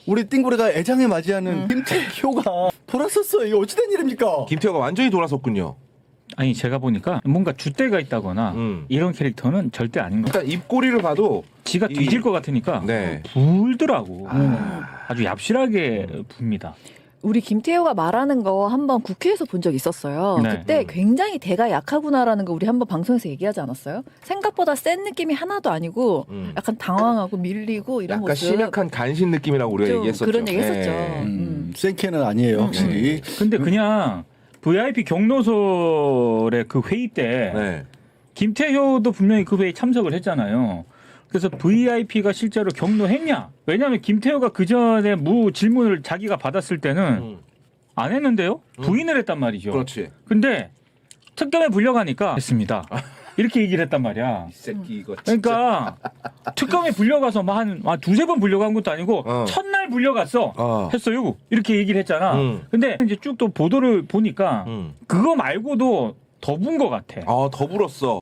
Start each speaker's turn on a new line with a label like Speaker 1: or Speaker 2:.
Speaker 1: 우리 띵고래가 애장에 맞이하는 김태효가 돌았었어요. 이게 어찌된 일입니까?
Speaker 2: 김태호가 완전히 돌아섰군요.
Speaker 3: 아니 제가 보니까 뭔가 줏대가 있다거나 이런 캐릭터는 절대 아닌 것 같아요.
Speaker 2: 일단 입꼬리를 봐도
Speaker 3: 지가 뒤질 것 같으니까
Speaker 2: 네.
Speaker 3: 불더라고. 아주 얍실하게 붑니다.
Speaker 4: 우리 김태효가 말하는 거 한번 국회에서 본 적 있었어요.
Speaker 3: 네.
Speaker 4: 그때 굉장히 대가 약하구나라는 거 우리 한번 방송에서 얘기하지 않았어요? 생각보다 센 느낌이 하나도 아니고 약간 당황하고 밀리고 이런
Speaker 2: 약간
Speaker 4: 모습.
Speaker 2: 심약한 간신 느낌이라고 우리가
Speaker 4: 좀
Speaker 2: 얘기했었죠.
Speaker 4: 그런 얘기 했었죠.
Speaker 2: 네.
Speaker 1: 생캐는 아니에요, 확실히.
Speaker 3: 근데 그냥 VIP 경로설의 그 회의 때
Speaker 2: 네.
Speaker 3: 김태효도 분명히 그 회의 참석을 했잖아요. 그래서 VIP가 실제로 경로했냐? 왜냐하면 김태효가 그 전에 질문을 자기가 받았을 때는 안 했는데요. 부인을 했단 말이죠.
Speaker 2: 그렇지.
Speaker 3: 근데 특검에 불려가니까 했습니다. 이렇게 얘기를 했단 말이야.
Speaker 2: 이 새끼 이거 진짜.
Speaker 3: 그러니까 특검에 불려가서 한 두세 번 불려간 것도 아니고 첫날 불려갔어. 했어요. 이렇게 얘기를 했잖아. 근데 이제 쭉 또 보도를 보니까 그거 말고도 더 분 것 같아.
Speaker 2: 더 불었어.